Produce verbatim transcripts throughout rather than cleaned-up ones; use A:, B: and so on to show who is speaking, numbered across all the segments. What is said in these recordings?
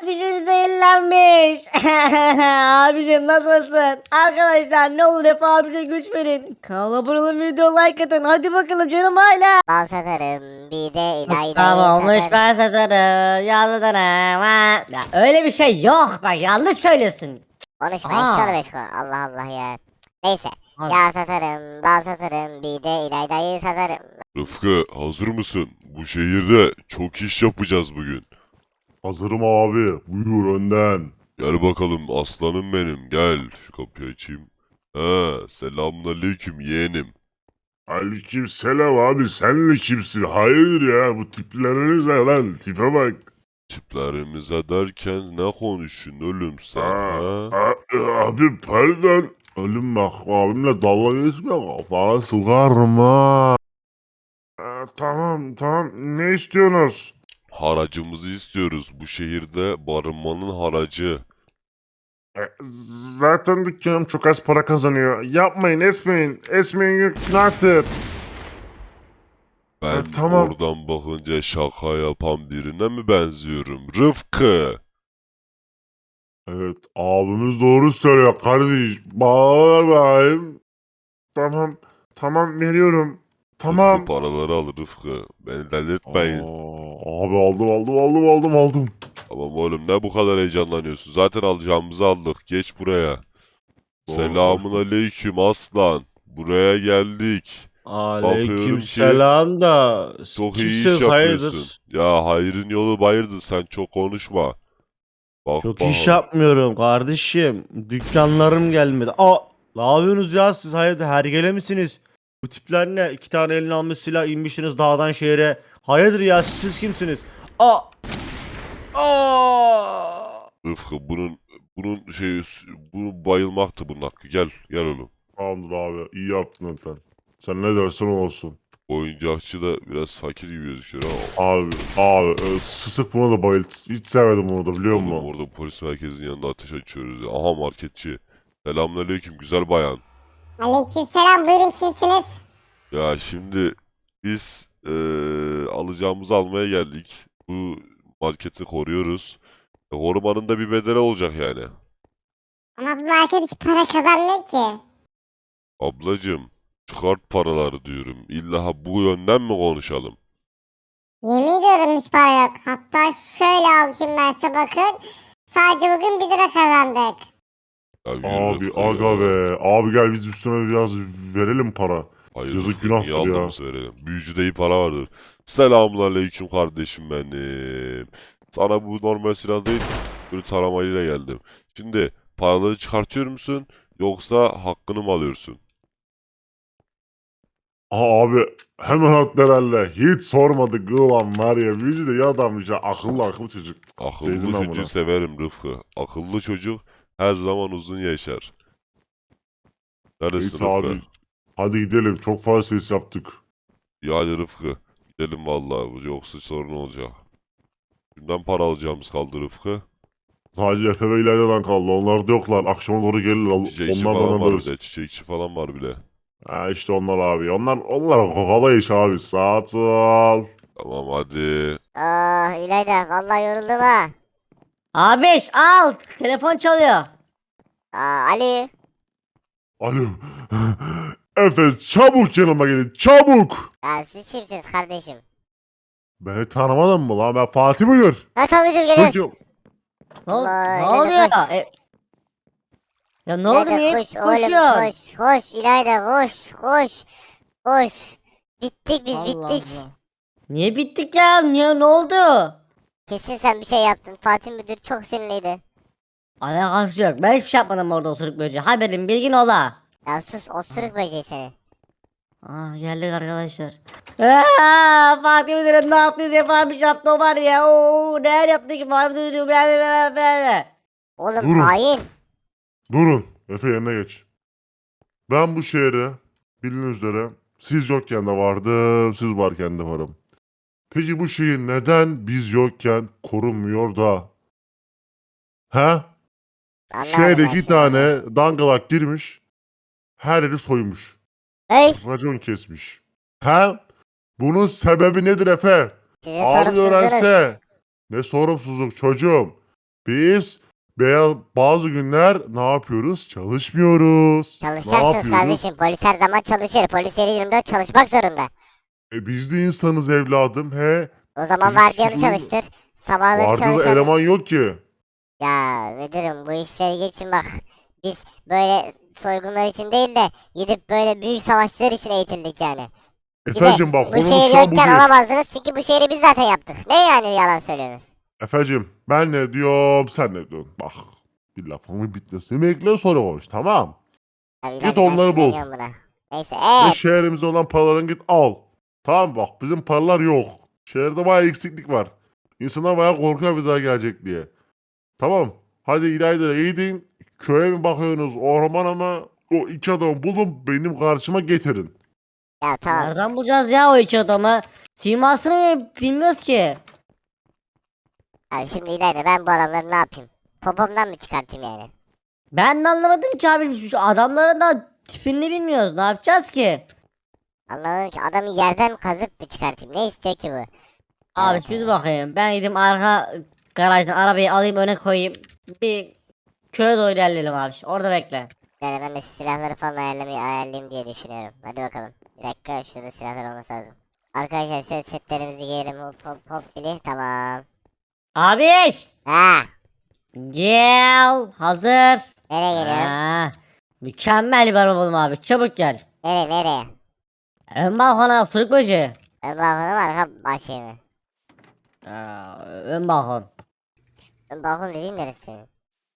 A: abicim zehirlenmiş. Abicim nasılsın? Arkadaşlar ne olur hep abicim güç verin. Kanala abone olun, video like atın. Hadi bakalım canım hala.
B: Bal satarım bir de ilaydayı
A: Mustafa olmuş
B: satarım.
A: ben satarım. Yalıdarım. Ha. Ya öyle bir şey yok. Bak yanlış söylüyorsun.
B: Konuşma
A: Aa.
B: eşşoğlu beşko. Allah Allah ya. Neyse.
A: Abi.
B: Yağ satarım, bal satarım, bir de ilaydayı satarım.
C: Rıfkı hazır mısın? Bu şehirde çok iş yapacağız bugün.
D: Hazırım abi. Buyur önden.
C: Gel bakalım aslanım benim gel. Şu kapıyı açayım. Ha, selamünaleyküm yeğenim.
D: Aleyküm selam abi. Sen de kimsin? Hayırdır ya? Bu tipleriniz ne lan? Tipe bak.
C: Tiplerimize derken ne konuşun oğlum sen
D: Aa,
C: ha?
D: a- abi pardon. Oğlum bak abimle dalga geçme. Kafana sokarım ha. Aa, tamam tamam. Ne istiyorsunuz?
C: Haracımızı istiyoruz. Bu şehirde barınmanın haracı.
D: E, Zaten dükkanım çok az para kazanıyor. Yapmayın esmeyin. Esmeyin günahtır.
C: Ben
D: Ha, tamam.
C: oradan bakınca şaka yapan birine mi benziyorum? Rıfkı!
D: Evet abimiz doğru söylüyor kardeş. Bağır bakayım. Tamam. Tamam veriyorum. Tamam.
C: Rıfkı paraları al Rıfkı. Beni delirtmeyin.
D: Aa, abi aldım aldım aldım aldım aldım.
C: Tamam oğlum ne bu kadar heyecanlanıyorsun? Zaten alacağımızı aldık. Geç buraya. Selamun aleyküm aslan. Buraya geldik. Bakıyorum
E: Aleyküm
C: ki
E: selam da
C: çok iyi iş
E: kimsiniz
C: yapıyorsun.
E: hayırdır?
C: Ya hayrın yolu bayırdır, sen çok konuşma. Bak
E: Çok
C: bakalım.
E: iş yapmıyorum kardeşim. Dükkanlarım gelmedi. Aa, ne yapıyorsunuz ya siz hayırdır hergele misiniz? Bu tipler ne? İki tane eline almış silah inmişsiniz dağdan şehre. Hayırdır ya siz, siz kimsiniz? Aa! Aa!
C: Rıfkı bunun bunun şey bu bayılmaktı bunun hakkı. Gel gel oğlum.
D: Tamamdır abi iyi yaptın zaten. Sen ne dersen o olsun.
C: Oyuncakçı da biraz fakir gibi gözüküyor ama
D: Abi abi e, sısık buna da bayılt. Hiç sevmedim bunu da biliyor
C: oğlum
D: musun?
C: orada polis merkezinin yanında ateş açıyoruz ya. Aha marketçi. Selamünaleyküm güzel bayan.
B: Aleykümselam, buyurun kimsiniz?
C: Ya şimdi biz eee, alacağımızı almaya geldik. Bu marketi koruyoruz. E, korumanın da bir bedeli olacak yani.
B: Ama bu market hiç para kazanmıyor ki.
C: Ablacım çıkart paraları diyorum. İlla ha bu yönden mi konuşalım?
B: Yemin ediyorum hiç para yok. Hatta şöyle alayım ben size bakın. Sadece bugün bir lira kazandık.
C: Ya yürü
D: Abi
C: Rıfkı
D: aga
C: ya.
D: be. Abi gel biz üstüne biraz verelim para.
C: Hayır
D: Yazık
C: Rıfkı,
D: günahtır
C: niye
D: ya.
C: aldığımızı verelim. Büyücüde iyi para vardır. Selamünaleyküm kardeşim benim. Sana bu normal silah değil, böyle taramayla geldim. Şimdi paraları çıkartıyor musun yoksa hakkını mı alıyorsun?
D: Aa, abi hemen attı herhalde. Hiç sormadık ulan var ya. Büyücü de iyi adammış ya. Akıllı akıllı çocuk. Sevdim
C: Akıllı
D: ben
C: çocuğu
D: bunu.
C: severim Rıfkı. Akıllı çocuk her zaman uzun yaşar. Neredesin
D: Neyse
C: Rıfkı?
D: abi. Hadi gidelim. Çok fazla ses yaptık.
C: İyi hadi Rıfkı. Gidelim vallahi yoksa sorun olacak. Kimden para alacağımız kaldı Rıfkı?
D: Sadece Efe ve İlayda'dan kaldı. Onlar da yoklar. Akşama doğru gelirler.
C: Çiçekçi
D: Onlar
C: falan
D: bana
C: var
D: böyle.
C: bir de. Çiçekçi falan var bile.
D: Ha işte onlar abi. Onlar onlar kolay iş abi. Saat ol.
C: Tamam hadi.
B: Oh İlayda vallahi yoruldum ha.
A: Abiş al. Telefon çalıyor.
B: Aa, Ali.
D: Alo. Efe çabuk yanıma gelin. Çabuk.
B: Ya siz kimsiniz kardeşim?
D: Beni tanımadın mı lan? Ben Fatih Buyur.
B: Ha Tomucuğum geliyoruz.
D: Çocuğum.
A: Ne, ol-
B: Allah,
A: ne
B: İlayda
A: oluyor?
B: koş.
A: E- ya ne oldu
B: İlayda
A: niye
B: koş oğlum
A: koşuyorsun?
B: koş koş İlayda koş koş. Koş. Bittik biz
A: Allah
B: bittik.
A: Allah. Niye bittik ya? Niye ne oldu?
B: Kesin sen bir şey yaptın. Fatih Müdür çok sinirliydi.
A: Alakası yok. Ben hiçbir şey yapmadım orada osuruk böceği. Haberin bilgin ola.
B: Ya sus osuruk böceği seni.
A: Aa geldik arkadaşlar. Aa, Fatih Müdürüm ne yaptınız yapamış yaptı o var ya. Oo, neler yaptı ki Fatih Müdürüm. Be, be, be, be.
B: Oğlum
D: Durun.
B: hain.
D: Durun. Efe yerine geç. Ben bu şehre bildiğiniz üzere siz yokken de vardım, siz varken de varım. Peki bu şehir neden biz yokken korunmuyor da? He?
B: Anlamadım
D: Şehre
B: ben
D: iki
B: şimdi.
D: tane dangalak girmiş, her yeri soymuş,
B: Hey
D: racon kesmiş. He? Bunun sebebi nedir Efe?
B: sizin
D: Abi
B: sorumsuzluğunuz.
D: öğrense. Ne sorumsuzluk çocuğum. Biz beyaz bazı günler ne yapıyoruz? Çalışmıyoruz. Ne
B: Çalışacaksınız
D: yapıyoruz?
B: kardeşim. Polis her zaman çalışır. Polis yedi yirmi dört çalışmak zorunda.
D: E biz de insanız evladım he.
B: O zaman
D: Bizim
B: vardiyanı
D: suçumuz-
B: çalıştır. Sabahları
D: Vardı da
B: çalışalım.
D: eleman yok ki.
B: Ya müdürüm bu işleri geçin bak. Biz böyle soygunlar için değil de gidip böyle büyük savaşlar için eğitildik yani. Bir de
D: Efecim bak
B: bu
D: konumuz
B: şehir
D: şu an bu
B: yokken
D: değil.
B: alamazdınız çünkü bu şehri biz zaten yaptık. Ne yani yalan söylüyorsunuz?
D: Efecim ben ne diyorum sen ne diyorsun? Bak bir lafımı bitmesini bekle sonra konuş tamam.
B: Ya bir
D: Git
B: dakika, ben
D: onları bul.
B: sinirleniyorum buna. Neyse
D: Ve
B: evet.
D: şehrimize olan paralarını git al. Tamam bak bizim paralar yok. Şehirde bayağı eksiklik var. İnsanlar bayağı korkuyor bir daha gelecek diye. Tamam. Hadi İlayda'ya gidin. Köye mi bakıyorsunuz ormana mı? O iki adamı bulun benim karşıma getirin.
B: Ya tamam.
A: Nereden bulacağız ya o iki adamı? Simasını mı bilmiyoruz ki.
B: Abi şimdi İlayda ben bu adamları ne yapayım? Popomdan mı çıkartayım yani?
A: Ben de anlamadım ki abi. Şu adamların da tipini bilmiyoruz. Ne yapacağız ki?
B: Anlamadım ki adamı yerden kazıp mı çıkartayım? Ne istiyor ki bu?
A: Abi
B: Evet,
A: bir
B: evet.
A: bakayım. Ben gideyim arka garajdan arabayı alayım öne koyayım. Bir köye doğru ilerleyelim abi. Orada bekle.
B: Yani ben de şu silahları falan ayarlamayı ayarlayayım diye düşünüyorum. Hadi bakalım. Bir dakika şurada silahlar olması lazım. Arkadaşlar şöyle setlerimizi giyelim. Hop hop hop bili. Tamam.
A: Abiş!
B: Ha,
A: Gel. Hazır.
B: nereye geliyorum?
A: Ha, mükemmel bir araba buldum abi. Çabuk gel.
B: Nereye nereye?
A: Ön balkona fırık böceği.
B: Ön balkonu mu arka bahçeye mi?
A: Aa, ön balkon.
B: Ön balkon dediğin neresi senin?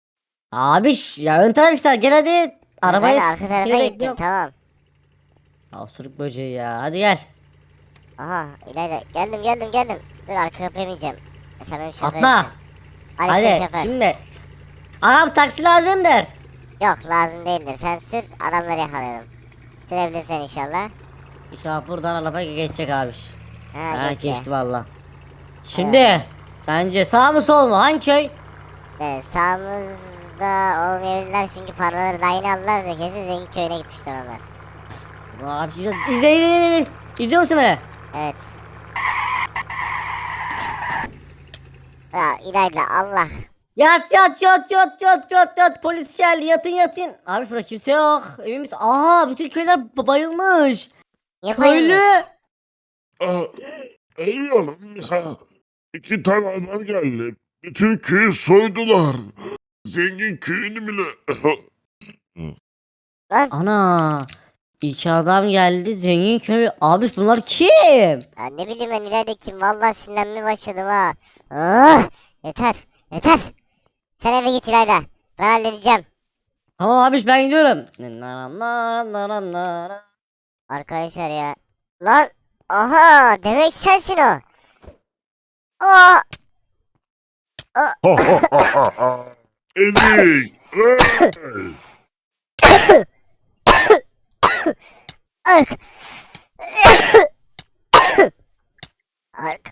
A: Abiş ya ön taraf işte gel hadi. Arabayı
B: Ben de arka tarafa
A: seni
B: gittim
A: bekliyorum.
B: tamam.
A: Ya sürük böceği ya hadi gel.
B: Aha İlayda geldim geldim geldim. Dur arka kapıya bineceğim. E, sen benim şoförümsün.
A: Atla.
B: Hadi,
A: Hadi
B: sür şoför.
A: şimdi. Ağam taksi lazımdır.
B: Yok lazım değildir. Sen sür adamları yakalayalım. Sürebilirsen inşallah.
A: İnşallah buradan araba geçecek abiş.
B: Ha,
A: Ha
B: geçiyor.
A: geçti valla. Şimdi sence sağ mı sol mu hangi köy?
B: Evet, sağımızda olmayabilirler çünkü paraları daha yeni aldılar da kesin zengin köyüne gitmişler onlar.
A: Abi izle izle izle. izle. İzliyor musun beni?
B: Evet. Ya İlayda Allah.
A: Yat yat yat yat yat yat yat polis geldi yatın yatın. Abi burada kimse yok emin misin? Aha bütün köyler ba- bayılmış.
B: Niye
A: Köylü.
B: bayılmış?
F: Aa, Ölüyorum ya. İki tane adam geldi. Bütün köyü soydular. Zengin köyünü bile.
B: Lan
A: Ana. İki adam geldi zengin köy. Abi bunlar kim?
B: ya ne bileyim ben İlayda kim vallahi sinirlenmeye başladım ha. Ah, yeter yeter. Sen eve git İlayda. Ben halledeceğim.
A: Tamam abi ben gidiyorum. Na na na na na na.
B: Arkadaşlar ya. Lan aha demek sensin o. Aa,
F: Ezik. Hey!
B: ark. ark.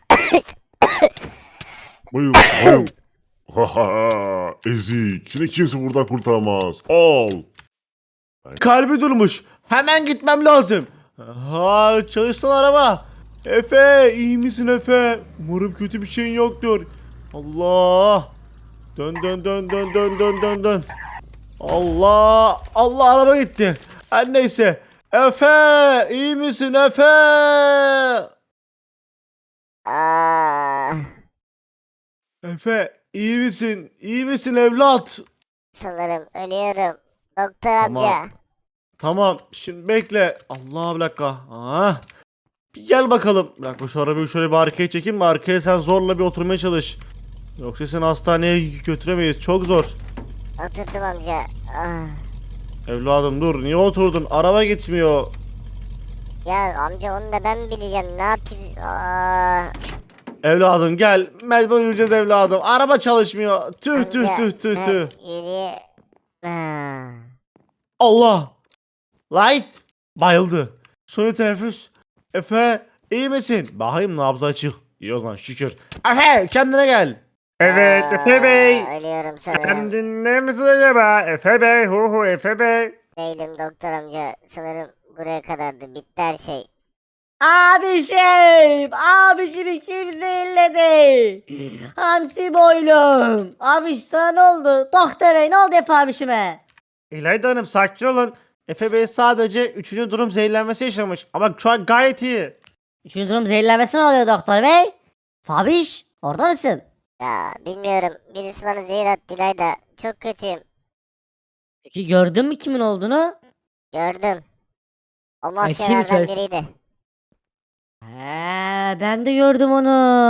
D: Bayıl bayıl. Haha ezik. Şimdi kimse buradan kurtaramaz. Al.
E: Kalbi durmuş. Hemen gitmem lazım. Ha çalışsın araba. Efe iyi misin Efe? Umarım kötü bir şeyin yoktur. Allah. Dön dön dön dön dön dön dön dön. Allah. Allah araba gitti. Her neyse. Efe iyi misin Efe?
B: Aa,
E: Efe iyi misin? İyi misin evlat?
B: sanırım ölüyorum. Doktor
E: Tamam.
B: amca.
E: Tamam şimdi bekle. Allah bir dakika. Ah. Bir gel bakalım. Bir dakika şu arabayı şöyle bir arkaya çekeyim mi? Arkaya sen zorla bir oturmaya çalış. Yoksa seni hastaneye götüremeyiz. Çok zor.
B: Oturdum amca. Ah.
E: Evladım dur. Niye oturdun? Araba gitmiyor.
B: Ya amca onu da ben bileceğim. Ne yapayım? Aa,
E: Evladım gel. Mecbur yürüyeceğiz evladım. Araba çalışmıyor. Tüh tüh
B: amca,
E: tüh tüh
B: ben
E: tüh.
B: yürüye- Ah.
E: Allah. Light. Bayıldı. Suni teneffüs. Efe iyi misin? Bakayım nabzı açık. İyi o zaman şükür. Efe kendine gel.
F: Evet Efe Bey.
B: Aa, Ölüyorum sanırım.
F: Sen dinler misin acaba? Efe Bey. Hu hu Efe Bey.
B: Değilim doktor amca. Sanırım buraya kadardı. Bitti her şey.
A: Abişim, abişimi kim zehirledi? Hamsi boylum. Abiş sana ne oldu? Doktor bey ne oldu Efe abişime?
E: İlayda Hanım sakin olun. Efe Bey sadece üçüncü durum zehirlenmesi yaşamış. Ama şu an gayet iyi.
A: Üçüncü durum zehirlenmesi ne oluyor doktor bey? Fabiş orada mısın?
B: Ya bilmiyorum. Birisi bana zehir attı İlayda. Çok kötüyüm.
A: Peki gördün mü kimin olduğunu?
B: Gördüm. O
A: kim
B: mafyalardan
A: söyledi?
B: biriydi.
A: He, ben de gördüm onu.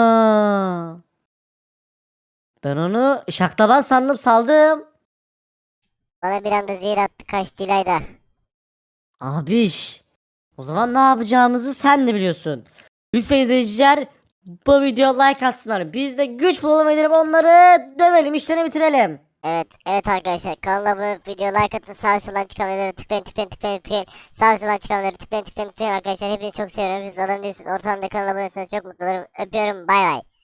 A: Ben onu şaklaban sandım saldım.
B: Bana bir anda zehir attı kaçtı İlayda.
A: Abiş. O zaman ne yapacağımızı sen de biliyorsun. Lütfen izleyiciler bu videoya like atsınlar. Biz de güç bulalım edelim onları dövelim işlerini bitirelim.
B: Evet, evet arkadaşlar kanala abone olup video like atın, sağ soldan çıkan videoları tıklayın tıklayın tıklayın tıklayın, sağ soldan çıkan videoları tıklayın tıklayın tıklayın arkadaşlar, hepinizi çok seviyorum, hepiniz adam değilsiniz, ortamda kanala abone olursanız çok mutlu olurum, öpüyorum, bay bay.